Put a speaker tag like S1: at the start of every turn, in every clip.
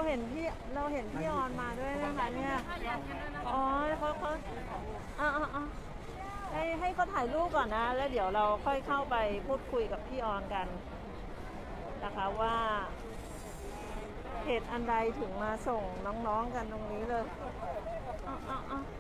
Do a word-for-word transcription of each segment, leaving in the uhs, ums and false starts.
S1: เห็นพี่เราเห็นพี่ออนมาด้วยนะคะเนี่ยอ๋อเขาเขาอ่าอ่าให้ให้เขาถ่ายรูปก่อนนะแล้วเดี๋ยวเราค่อยเข้าไปพูดคุยกับพี่ออนกันนะคะว่าเหตุอันใดถึงมาส่งน้องๆกันตรงนี้เลยอ่าอ่าอ่า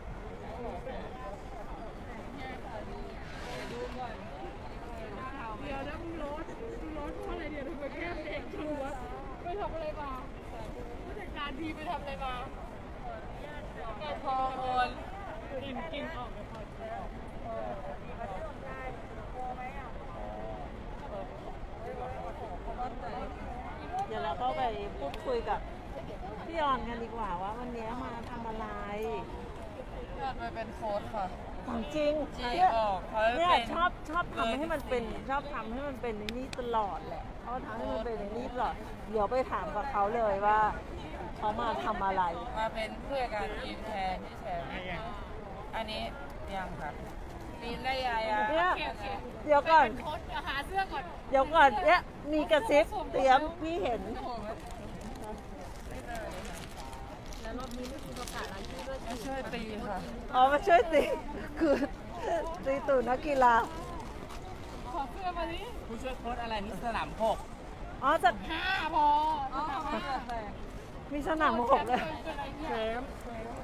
S2: เดี๋ยวนะมึงรถมึงรถเพราะอะไรเดี๋ยวทำไมแก้มเด็กชัวไปทำอะไรมาผู้จัดการทีไปทำอะไรมาแกพอโอนกินกินออกไปพอ
S1: เดี๋ยวเราเข้าไปพูดคุยกับพี่ออนกันดีกว่าว่าวันนี้มาทำอะไร
S3: อยากไปเป็นโค้ชค่ะ
S1: ของจริง
S3: จริง
S1: เนี่ย
S3: ออกเขา
S1: เนี่ย
S3: เป็น
S1: ชอบชอบทำให้มันเป็นชอบทำให้มันเป็นในนี้ตลอดแหละเขาทำให้มันเป็นในนี้ตลอดเดี๋ยวไปถามกับเขาเลยว่าเขามาทำอะไร
S3: มาเป็นเพื่อการทีมแทนที่แชมป์อันนี้ยังค่ะปีนได้ยายา
S1: เนี่ย
S2: โอเคโอเค
S1: เดี๋ยวก่อน
S2: โค้ชหาเสื้อก่อน
S1: เดี๋ยวก่อนเนี่ยมีกระซิบเตรียมพี่เห็น
S2: แล้วรอบนี้ไม่คุณประกาศรายชื่อด้วย
S3: มาช่วยตีค่ะ
S1: อ๋อมาช่วยตีคือตีตูนักกีฬา
S2: ขอเสื้อมาดิ
S3: ผู้ช่วยโค้ชอะไรนี่สนามหก
S1: อ๋อจะ
S2: ห้าพอ
S1: มีสนามหกเลย
S2: เป็นอะไรเนี่ย
S3: เฟรม